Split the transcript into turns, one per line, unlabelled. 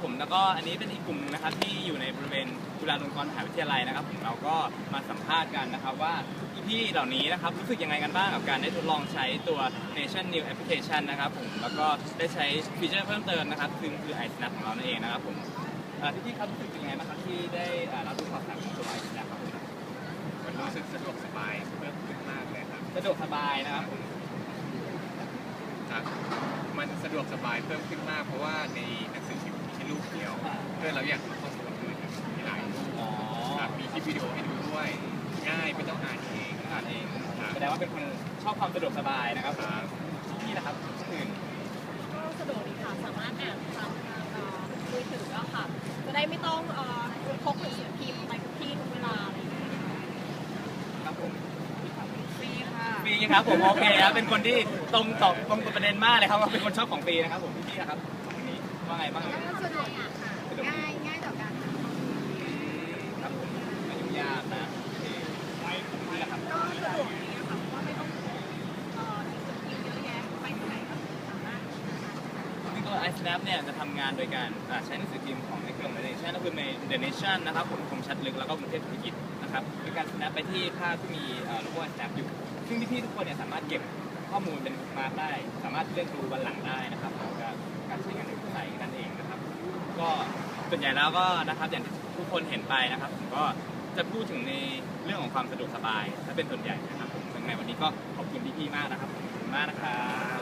ผมแล้วก็อันนี้เป็นอีกกลุ่มนึงนะครับที่อยู่ในบริเวณจุฬาลงกรณ์มหาวิทยาลัยนะครับผมเราก็มาสัมภาษณ์กันนะครับว่าพี่ๆเหล่านี้นะครับรู้สึกยังไงกันบ้างกับการได้ทดลองใช้ตัว Nation New Application นะครับผมแล้วก็ได้ใช้ฟีเจอร์เพิ่มเติมนะครับคือ iSnap ของเรานั่นเองนะครับผมพี่ๆครับรู้สึกยังไงบ้างครับที่ได้รับรู้ข่าวสารของตัว iSnap ครับผม
มันรู้สึกสะดวกสบายเพิ่มขึ้นมากเลยครับ
สะดวกสบายนะครับผม
ครับมันสะดวกสบายเพิ่มขึ้นมากเพราะว่าในหนังสือพิมพ์มีแค่รูปเดียวเพื่อเราอยากดูข้อมูลอื่นมีหลายรูปครับมีคลิปวิดีโอให้ดูด้วยง่ายไม่ต้องอ่านเอง
แสดงว่าเป็นคนชอบความสะดวกสบายนะครับนี่นะครับอื่น
ก็สะดวกดีค่ะสามารถอ่านทางมือถือแล้วค่ะจะได้ไม่ต้องพกหนังสือพิมพ์ไปทุกที่ทุกเวลาอะไรอย่างเงี้ย
ครับผม
ฟรีค่ะ
ฟรีครับผมโอเคครับเป็นคนที่ตรงกับประเด็นมากเลยครับว่าเป็นคนชอบของฟรีนะครับผมพี่นะครับวันนี้ว่าไงบ้าง
สะดวกค่ะง่ายต่อการ
ครับผมไม่ยุ่งยากนะไปนี่แหละครับ
ก็สะดวกดีค่ะเพราะว่าไม่ต้องหนังสือพิมพ์เยอะแยะไปที่ไหนก็สามารถ
ซึ่งตัว iSnap เนี่ยจะทำงานโดยการใช้หนังสือพิมพ์ของในเครือ The Nation ก็คือใน The Nation นะครับผมคมชัดลึกแล้วก็กรุงเทพธุรกิจนะครับโดยการ snap ไปที่ภาพที่มีโลโก้ iSnap อยู่ซึ่งพี่ๆทุกคนเนี่ยสามารถเก็บข้อมูลเป็นมาร์กได้สามารถเลือกดูวันหลังได้นะครับแล้วก็การใช้งานในเว็บไซต์นั่นเองนะครับก็ส่วนใหญ่แล้วก็นะครับอย่างที่ทุกคนเห็นไปนะครับผมก็จะพูดถึงในเรื่องของความสะดวกสบายถ้าเป็นส่วนใหญ่นะครับผมในวันนี้ก็ขอบคุณพี่ๆมากนะครับขอบคุณมากนะครับ